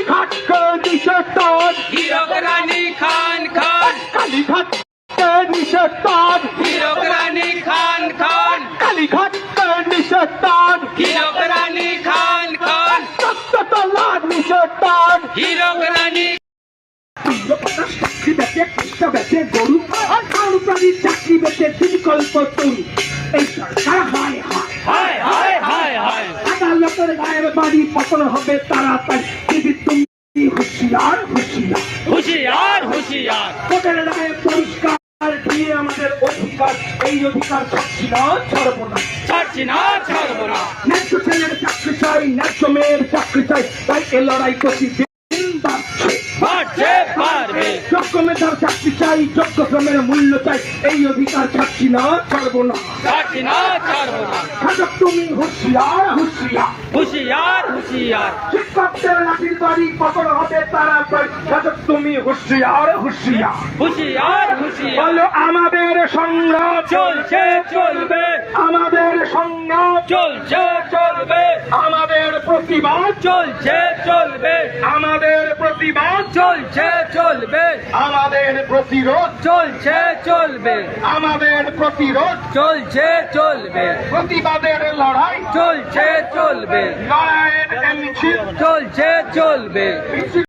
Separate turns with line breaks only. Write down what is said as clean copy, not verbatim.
কালীঘাটকে নিষেধ,
হীরক রানী খান খান,
কালীঘাটকে নিষেধ,
হীরক রানী খান খান,
কালীঘাটকে নিষেধ,
হীরক রানী খান খান,
তলা নিষেধ।
হীরক রানী
চাকরি বেচে কৃষ্ণ বেচে গরু আর কারু প্রাণীর চাকরি বেচে বিকল্প তরু। এই সরকার হায় হায়
হায় হায় হায় হায়,
আদালতের গায়ের বাড়ি পতন হবে তাড়াতাড়ি। দিদি তুমি হুঁশিয়ার হুঁশিয়ার,
হুঁশিয়ার হুঁশিয়ার,
কোর্টের রায়ে পরিষ্কার দিয়ে আমাদের অধিকার, এই অধিকার ছাড়ছি না, ছাড়বো না।
ছাড়ছি না, ছাড়বো না।
ন্যায্য ছেলের চাকরি চাই, ন্যায্য মেয়ের চাকরি চাই, তাই এ লড়াই প্রতিদিন বাড়ছে।
বাড়ছে পারবে,
যোগ্য মেধার চাকরি চাই, যোগ্য শ্রমের মূল্য চাই, এই অধিকার ছাড়ছি না, ছাড়বো না।
ছাড়ছি না, ছাড়বো না।
খাজক তুমি হুঁশিয়ার হুঁশিয়ার,
হুঁশিয়ার হুঁশিয়ার,
শিক্ষকদের লাঠির বাড়ি পতন হবে তাড়াতাড়ি। খাজক তুমি হুঁশিয়ার হুঁশিয়ার,
হুঁশিয়ার হুঁশিয়ার,
বলো আমাদের সংগ্রাম
চলছে চলবে,
আমাদের সংগ্রাম
চলছে চলবে,
আমাদের প্রতিবাদ
চলছে চলবে,
আমাদের প্রতিবাদ
চলছে চলবে,
আমাদের প্রতিরোধ
চলছে চলবে,
আমাদের প্রতিরোধ
চলছে চলবে,
প্রতিবাদের লড়াই
চলছে চলবে,
লড়াইয়ের মিছিল
চলছে চলবে।